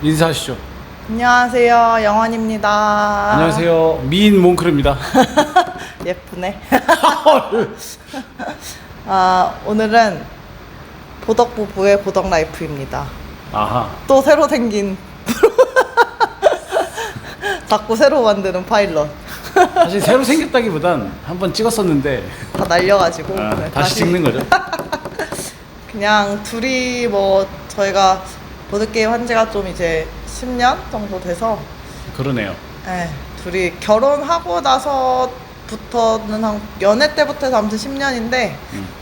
인사하시죠. 안녕하세요, 영원입니다. 안녕하세요, 미인 몽크르입니다. 예쁘네. 오늘은 보덕부부의 보덕라이프입니다. 아하. 또 새로 생긴 자꾸 새로 만드는 파일럿. 사실 새로 생겼다기보단 한번 찍었었는데 다 날려가지고 네, 다시 찍는 거죠. 그냥 둘이 뭐 저희가 보드게임 한 지가 좀 이제 10년 정도 돼서 그러네요. 네, 둘이 결혼하고 나서부터는 한 연애 때부터 해서 아무튼 10년인데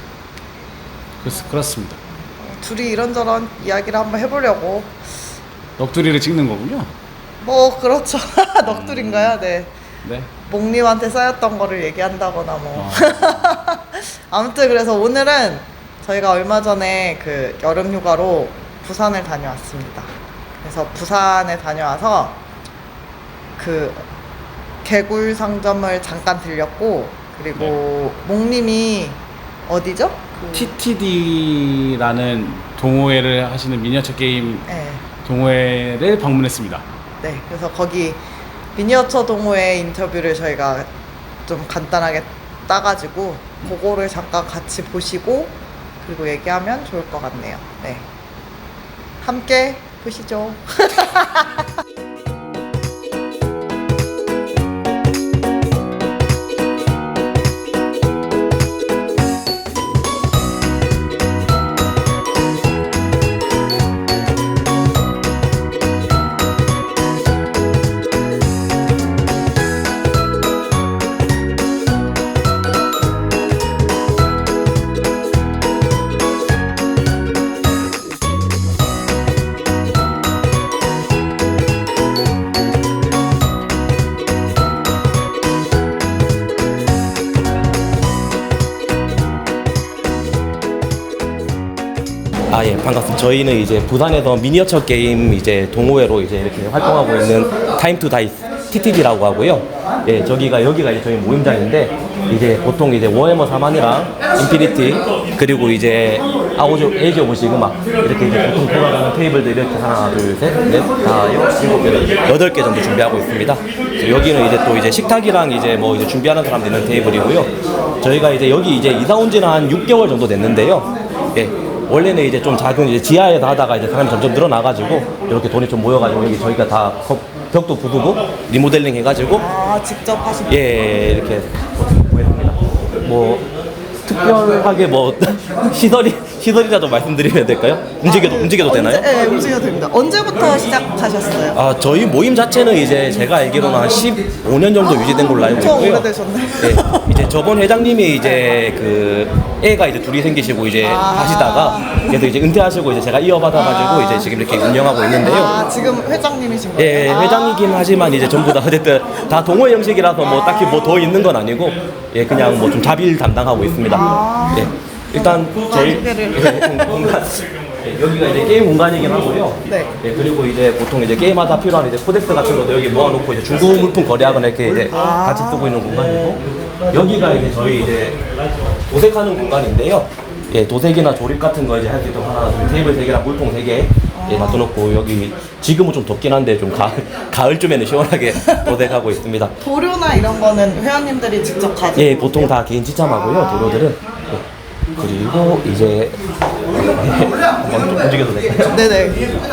그렇습니다. 둘이 이런저런 이야기를 한번 해보려고. 넋두리를 찍는 거군요. 뭐 그렇죠. 넋두리인가요? 네. 네. 목님한테 쌓였던 거를 얘기한다거나 뭐. 아무튼 그래서 오늘은 저희가 얼마 전에 그 여름 휴가로 부산을 다녀왔습니다. 그래서 부산에 다녀와서 그 개굴 상점을 잠깐 들렸고, 그리고 목님이 어디죠? TTD라는 동호회를 하시는 미니어처 게임 네. 동호회를 방문했습니다. 네. 그래서 거기 미니어처 동호회 인터뷰를 저희가 좀 간단하게 따가지고 그거를 잠깐 같이 보시고 그리고 얘기하면 좋을 것 같네요. 네. 함께 보시죠. 예, 반갑습니다. 저희는 이제 부산에서 미니어처 게임 이제 동호회로 이제 이렇게 활동하고 있는 타임 투 다이스 TTD라고 하고요. 예, 여기가 이제 저희 모임장인데, 이제 보통 이제 워해머 4만이랑 인피니티, 그리고 이제 에이지 오브 시그마, 이렇게 이제 보통 돌아가는 테이블들 이렇게 하나, 둘, 셋, 넷, 다, 일곱 개, 8개 정도 준비하고 있습니다. 여기는 이제 또 이제 식탁이랑 이제 뭐 이제 준비하는 사람들 있는 테이블이고요. 저희가 이제 여기 이제 이사 온 지는 한 6개월 정도 됐는데요. 예. 원래는 이제 좀 작은 이제 지하에서 하다가 이제 사람이 점점 늘어나가지고 이렇게 돈이 좀 모여가지고 여기 저희가 다 벽도 부수고 리모델링 해가지고 직접 하신 예 이렇게 구했습니다. 뭐 특별하게 뭐 시설이라도 말씀드리면 될까요? 움직여도 되나요? 네, 움직여도 됩니다. 언제부터 시작하셨어요? 저희 모임 자체는 이제 제가 알기로는 한 15년 정도 유지된 걸로 알고 엄청 있고요. 오래되셨네. 네, 이제 저번 회장님이 이제 그 애가 이제 둘이 생기시고 이제 하시다가 그래서 이제 은퇴하시고 이제 제가 이어받아가지고 이제 지금 이렇게 운영하고 있는데요. 지금 회장님이신 거예요? 예, 회장이긴 하지만 이제 전부 다 어쨌든 다 동호회 형식이라서 뭐 딱히 뭐 더 있는 건 아니고, 예, 그냥 뭐 좀 자비를 담당하고 있습니다. 예, 일단 저희 공간, 예, 여기가 이제 게임 공간이긴 하고요. 네. 예, 그리고 이제 보통 이제 게임하다 필요한 이제 코덱스 같은 것도 여기 모아놓고 이제 중고 물품 거래하거나 이렇게 이제 같이 쓰고 있는 공간이고, 여기가 이제 저희 이제 도색하는 공간인데요. 예, 도색이나 조립 같은 거 이제 할 수 있도록 하나, 테이블 3개랑 물통 3개 예, 놔둬놓고, 여기 지금은 좀 덥긴 한데 좀 가을쯤에는 시원하게 도색하고 있습니다. 도료나 이런 거는 회원님들이 직접 가지고 예, 보통 다 개인 지참하고요, 도료들은. 예. 그리고 이제 한번 좀 움직여도 될까요? 네네.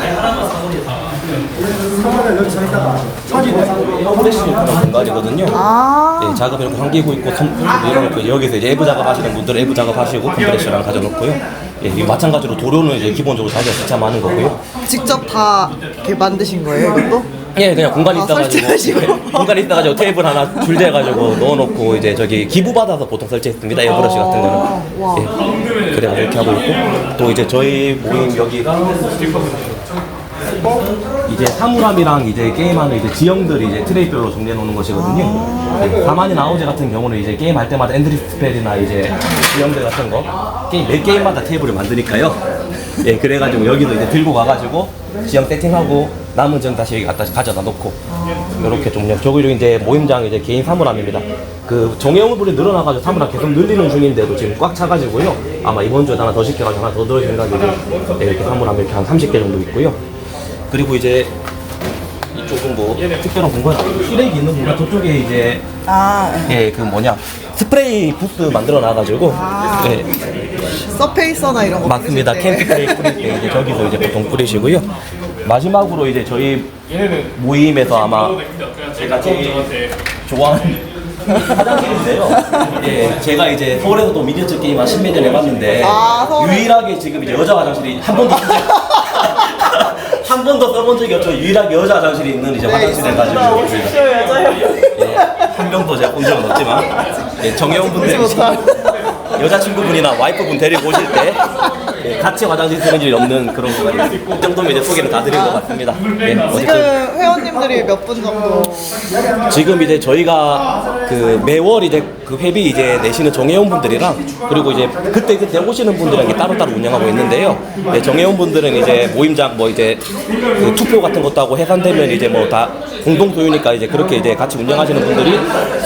에어프레시 그런 공간이거든요. 예, 작업 이렇게 환기구 있고 이렇게 여기서 이제 외부 작업하시는 분들은 외부 작업하시고 컴프레셔랑 가져놓고요. 예, 마찬가지로 도료는 이제 기본적으로 자기가 지참하는 거고요. 직접 다 이렇게 만드신 거예요, 이것도? 예, 그냥 공간이 있어가지고 설치하시고. 예, 공간이 있어가지고 테이블 하나 줄대가지고 넣어놓고 이제 저기 기부 받아서 보통 설치했습니다. 에어브러시 같은 거는. 와. 예, 그래가지고 이렇게 하고 있고, 또 이제 저희 모임 여기가 이제 사물함이랑 이제 게임하는 이제 지형들이 이제 트레이별로 정리해 놓는 것이거든요. 네, 사만이나 아우제 같은 경우는 이제 게임 할 때마다 엔드리 스펠이나 이제 지형들 같은 거 매 게임마다 테이블을 만드니까요. 예, 그래가지고 여기도 이제 들고 가가지고 지형 세팅하고 남은 점 다시 여기 갖다 가져다 놓고 이렇게 좀 저기로 이제 모임장 이제 개인 사물함입니다. 그 정형물이 늘어나가지고 사물함 계속 늘리는 중인데도 지금 꽉 차가지고요. 아마 이번 주에 하나 더 시켜가지고 하나 더 넣을 생각이고 네, 이렇게 사물함 이렇게 한 30개 정도 있고요. 그리고 이제 이쪽은 뭐 특별한 공간, 쓰레기 있는 공간 저쪽에 이제 예, 그 뭐냐 스프레이 부스 만들어 놔가지고 예, 서페이서나 이런 거 맞습니다. 뿌리실 때. 캠프 뿌릴 때 이제 저기서 이제 보통 뿌리시고요. 마지막으로 이제 저희 모임에서 아마 제가 제일 좋아하는 화장실인데요. 예, 제가 이제 서울에서도 미니어처 게임 한 10몇 년 해봤는데 서울에. 유일하게 지금 이제 여자 화장실이 한 번도 한 번도 써본 적이 없죠. 유일하게 여자 화장실이 있는 이제 화장실 해가지고 오십시오 여자요. 예, 한 명도 제가 본 적은 없지만 예, 정혜원분들 여자친구분이나 와이프분 데리고 오실 때 예, 같이 화장실 쓰는 일이 없는 그런 거 정도면 이제 소개를 다 드린 것 같습니다. 예, 지금 어쨌든 회원님들이 몇 분 정도? 지금 이제 저희가 그 매월 이제 그 회비 이제 내시는 정혜원 분들이랑 그리고 이제 그때 오시는 분들에게 따로따로 운영하고 있는데요. 네, 정혜원 분들은 이제 모임장 뭐 이제 그 투표 같은 것도 하고 해산되면 이제 뭐 다 공동 소유니까 이제 그렇게 이제 같이 운영하시는 분들이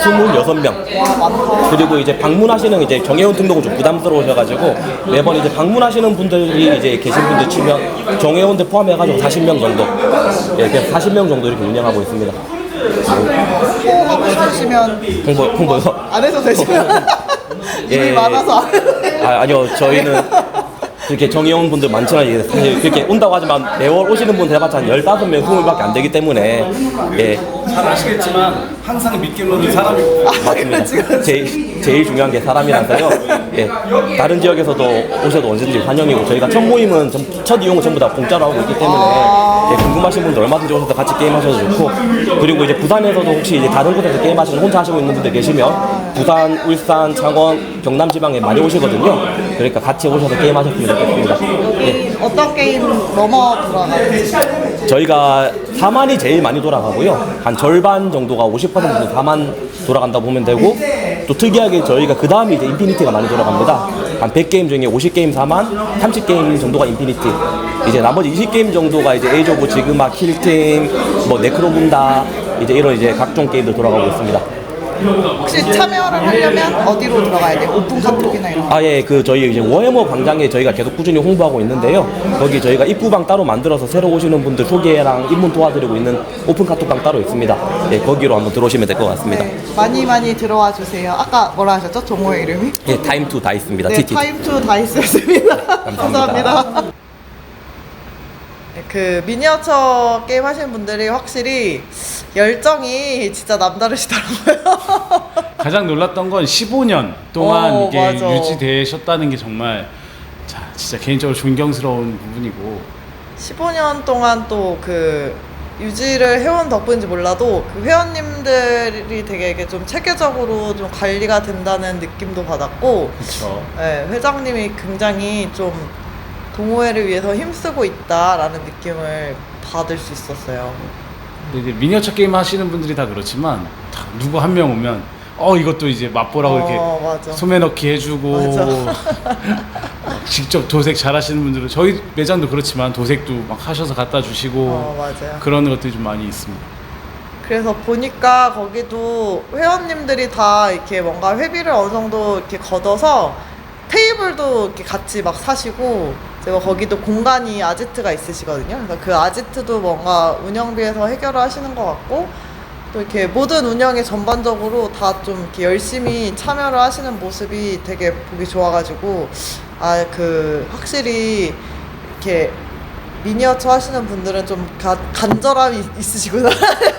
26명. 그리고 이제 방문하시는 이제 정혜원 등록은 좀 부담스러우셔가지고 매번 이제 방문하시는 분들이 이제 계신 분들 치면 정혜원들 포함해가지고 40명 정도. 예, 그냥 40명 정도 이렇게 운영하고 있습니다. 홍보하고 해주시면 홍보요? 안 해도 되시면 일이 예. 많아서 안 해도 돼요. 아니요, 저희는 그렇게 정의원 분들 많지만 이게 사실 그렇게 온다고 하지만 매월 오시는 분들 해봤자 한 15명, 20명밖에 안 되기 때문에 예, 잘 아시겠지만 항상 믿기로는 사람이 맞습니다. 제일 중요한 게 사람이라서요. 예, 다른 지역에서도 오셔도 언제든지 환영이고 저희가 첫 모임은 첫 이용은 전부 다 공짜로 하고 있기 때문에 예, 궁금하신 분들 얼마든지 오셔서 같이 게임하셔도 좋고 그리고 이제 부산에서도 혹시 이제 다른 곳에서 게임하시는 혼자 하시고 있는 분들 계시면 부산, 울산, 창원, 경남 지방에 많이 오시거든요. 그러니까 같이 오셔서 게임하셨으면 좋겠습니다. 예. 어떤 게임 넘어 돌아가요? 저희가 4만이 제일 많이 돌아가고요. 한 절반 정도가 50%는 4만 돌아간다고 보면 되고 또 특이하게 저희가 그 다음에 이제 인피니티가 많이 돌아갑니다. 한 100게임 중에 50게임 4만, 30게임 정도가 인피니티. 이제 나머지 20게임 정도가 이제 에이즈 오브 지그마, 킬팀, 뭐 네크로문다 이제 이런 이제 각종 게임들 돌아가고 있습니다. 혹시 참여를 하려면 어디로 들어가야 돼요? 오픈 카톡이나 이런 거? 예, 그 저희 이제 워해머 광장에 저희가 계속 꾸준히 홍보하고 있는데요. 거기 저희가 입구방 따로 만들어서 새로 오시는 분들 소개랑 입문 도와드리고 있는 오픈 카톡방 따로 있습니다. 예, 거기로 한번 들어오시면 될 것 같습니다. 네, 많이 들어와 주세요. 아까 뭐라 하셨죠? 동호회 이름이? 예, 타임 투 다이스입니다. 네, TT. 타임 투 다이스였습니다. 감사합니다. 그 미니어처 게임 하시는 분들이 확실히 열정이 진짜 남다르시더라고요. 가장 놀랐던 건 15년 동안 이게 맞아. 유지되셨다는 게 정말 진짜 개인적으로 존경스러운 부분이고 15년 동안 또 그 유지를 해온 덕분인지 몰라도 그 회원님들이 되게 이게 좀 체계적으로 좀 관리가 된다는 느낌도 받았고 그렇죠. 네, 회장님이 굉장히 좀 동호회를 위해서 힘쓰고 있다라는 느낌을 받을 수 있었어요. 근데 이제 미니어처 게임 하시는 분들이 다 그렇지만 다 누구 한 명 오면 이것도 이제 맛보라고 이렇게 맞아. 소매 넣기 해주고 맞아. 직접 도색 잘하시는 분들은 저희 매장도 그렇지만 도색도 막 하셔서 갖다 주시고 맞아요. 그런 것들이 좀 많이 있습니다. 그래서 보니까 거기도 회원님들이 다 이렇게 뭔가 회비를 어느 정도 이렇게 걷어서 테이블도 이렇게 같이 막 사시고 제가 거기도 공간이 아지트가 있으시거든요. 그래서 그 아지트도 뭔가 운영비에서 해결을 하시는 것 같고 또 이렇게 모든 운영에 전반적으로 다 좀 이렇게 열심히 참여를 하시는 모습이 되게 보기 좋아가지고 그 확실히 이렇게 미니어처 하시는 분들은 좀 간절함이 있으시구나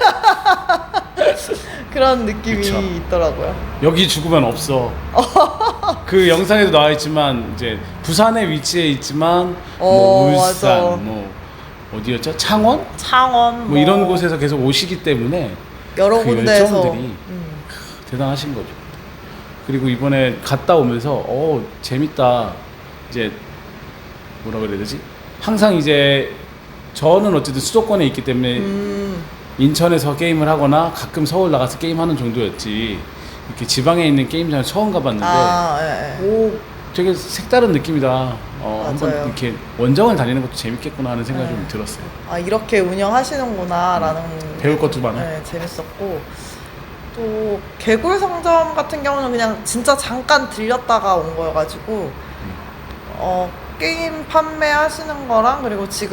그런 느낌이 그쵸. 있더라고요. 여기 죽으면 없어. 그 영상에도 나와 있지만 이제 부산에 위치해 있지만 뭐 울산, 맞아. 뭐 어디였죠? 창원? 창원 뭐 이런 곳에서 계속 오시기 때문에 여러 그 군데에서 열정들이 대단하신 거죠. 그리고 이번에 갔다 오면서 재밌다. 이제 뭐라 그래야 되지? 항상 이제 저는 어쨌든 수도권에 있기 때문에 인천에서 게임을 하거나 가끔 서울 나가서 게임하는 정도였지 이렇게 지방에 있는 게임장을 처음 가봤는데 예. 오 되게 색다른 느낌이다. 한번 맞아요. 이렇게 원정을 다니는 것도 재밌겠구나 하는 생각이 좀 들었어요. 이렇게 운영하시는구나라는 배울 것도 많아요. 네, 재밌었고 또 개굴 상점 같은 경우는 그냥 진짜 잠깐 들렸다가 온 거여가지고 게임 판매하시는 거랑 그리고 지금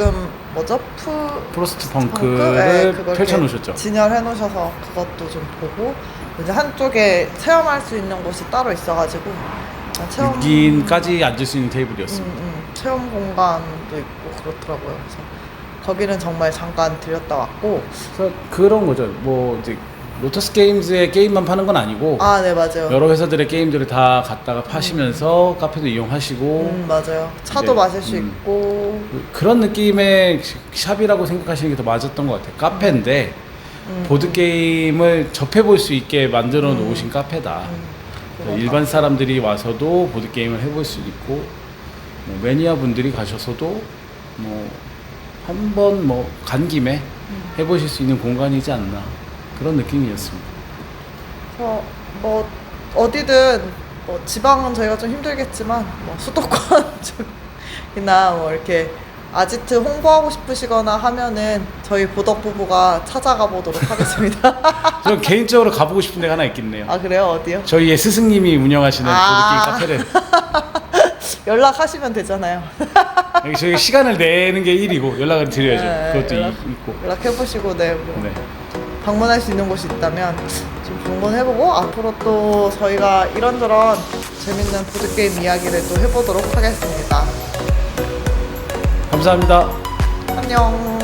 뭐죠? 프로스트 네, 펑크를 그걸 펼쳐놓으셨죠. 이렇게 진열해 놓으셔서 그것도 좀 보고 이제 한쪽에 체험할 수 있는 곳이 따로 있어가지고 체험 6인까지 앉을 수 있는 테이블이었습니다. 체험 공간도 있고 그렇더라고요. 그래서 거기는 정말 잠깐 들렸다 왔고. 그래서 그런 거죠. 뭐 이제 로터스 게임즈의 게임만 파는 건 아니고 아, 네, 맞아요. 여러 회사들의 게임들을 다 갖다가 파시면서 카페도 이용하시고 맞아요. 차도 네. 마실 수 있고. 그런 느낌의 샵이라고 생각하시는 게 더 맞았던 것 같아요. 카페인데 보드 게임을 접해볼 수 있게 만들어 놓으신 카페다. 그래서 일반 사람들이 와서도 보드 게임을 해볼 수 있고 뭐 매니아 분들이 가셔서도 뭐 한번 뭐 간 김에 해보실 수 있는 공간이지 않나 그런 느낌이었습니다. 그래서 뭐 어디든 뭐 지방은 저희가 좀 힘들겠지만 뭐 수도권 쪽이나 뭐 이렇게 아지트 홍보하고 싶으시거나 하면은 저희 보덕 부부가 찾아가 보도록 하겠습니다. 저 개인적으로 가보고 싶은 데가 하나 있겠네요. 아, 그래요? 어디요? 저희의 스승님이 운영하시는 아. 보드게임 카페를 연락하시면 되잖아요. 여기 저희 시간을 내는 게 일이고 연락을 드려야죠. 네, 그것도 연락- 있고. 연락해보시고 네, 뭐 네. 방문할 수 있는 곳이 있다면 좀 방문해보고 앞으로 또 저희가 이런저런 재밌는 보드게임 이야기를 또 해보도록 하겠습니다. 감사합니다. 안녕.